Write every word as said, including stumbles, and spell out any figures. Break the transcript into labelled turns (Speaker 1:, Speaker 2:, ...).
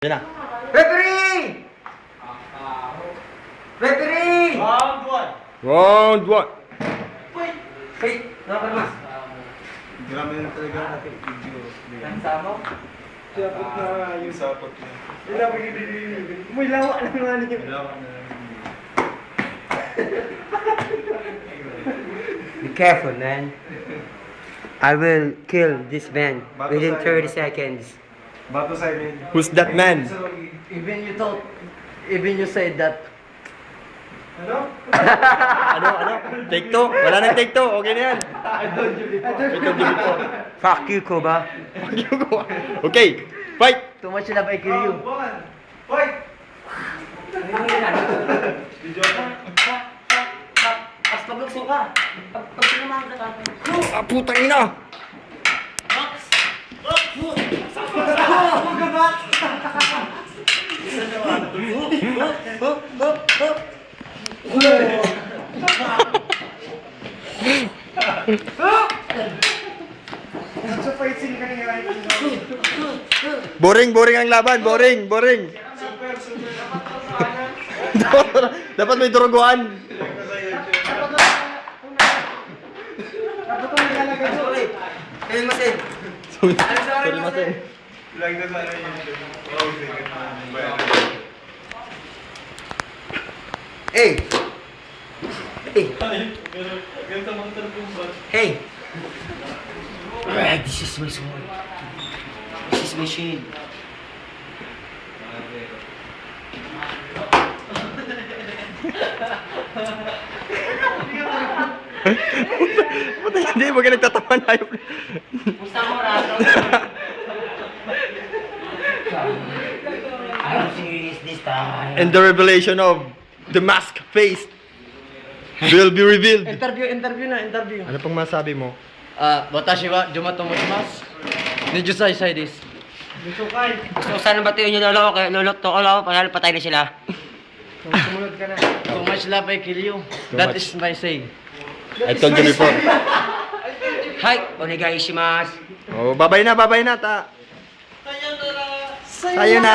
Speaker 1: Yan na.
Speaker 2: Referee! Referee!
Speaker 3: Round one.
Speaker 1: Round one.
Speaker 3: Wait.
Speaker 2: Wait, nakakalmas.
Speaker 3: Grabe na talaga natin video.
Speaker 2: Lansa mo?
Speaker 3: Sapot na yung sapot na.
Speaker 2: Ilawa ka din. May lawa na nga niyo.
Speaker 3: Kailangan na
Speaker 2: Be careful, man. I will kill this man within thirty seconds.
Speaker 3: Bato sa amin.
Speaker 1: Who's that man?
Speaker 3: So,
Speaker 2: Even you thought, even you said that.
Speaker 3: ano?
Speaker 1: Ano, ano? Take two? Wala nang take two. Okay na yan.
Speaker 3: I told you before.
Speaker 1: Ito, dito.
Speaker 2: Fuck you, Koba.
Speaker 1: Okay, fight!
Speaker 2: Too much love, I kill you.
Speaker 3: Round one. Fight! Video ka.
Speaker 4: Pas paglukso ka. Pag pag sinamahan ka tapos.
Speaker 1: Ah, putang ina!
Speaker 3: Sa fight scene ka nga.
Speaker 1: Boring, boring ang laban. Boring, boring.
Speaker 3: Super, super.
Speaker 1: Dapat may duruguan.
Speaker 3: Dapat ito nilalagay ko.
Speaker 2: Ayun, masin.
Speaker 1: Sorry, masin.
Speaker 3: Like na sana yun. Oh, sige.
Speaker 2: Hey! Hey!
Speaker 3: Ganito mga talbong ba?
Speaker 2: Hey! Alright, this is my sword. This is my shield.
Speaker 1: Puta, hindi. Huwag ka nagtatawa na yun.
Speaker 4: Gusto mo rato.
Speaker 2: I'm serious this time.
Speaker 1: And the revelation of the mask face will be revealed.
Speaker 2: Interview, interview na, interview.
Speaker 1: Ano pang masabi mo?
Speaker 2: Ah, watashi wa Jumato mochimasu. Nijusai sai desu.
Speaker 3: Gusto kay.
Speaker 4: Gusto ko sana batuin yung lolo ko. Kaya lolo to ko lang. Panalo patay na sila.
Speaker 3: Sumunod ka na.
Speaker 2: Too much love, I kill you.
Speaker 1: Too
Speaker 2: That
Speaker 1: much.
Speaker 2: is my saying.
Speaker 1: I told you before.
Speaker 4: Hi! Onegai shimasu.
Speaker 1: Oh, babay na, babay na. Ta. Sayonara.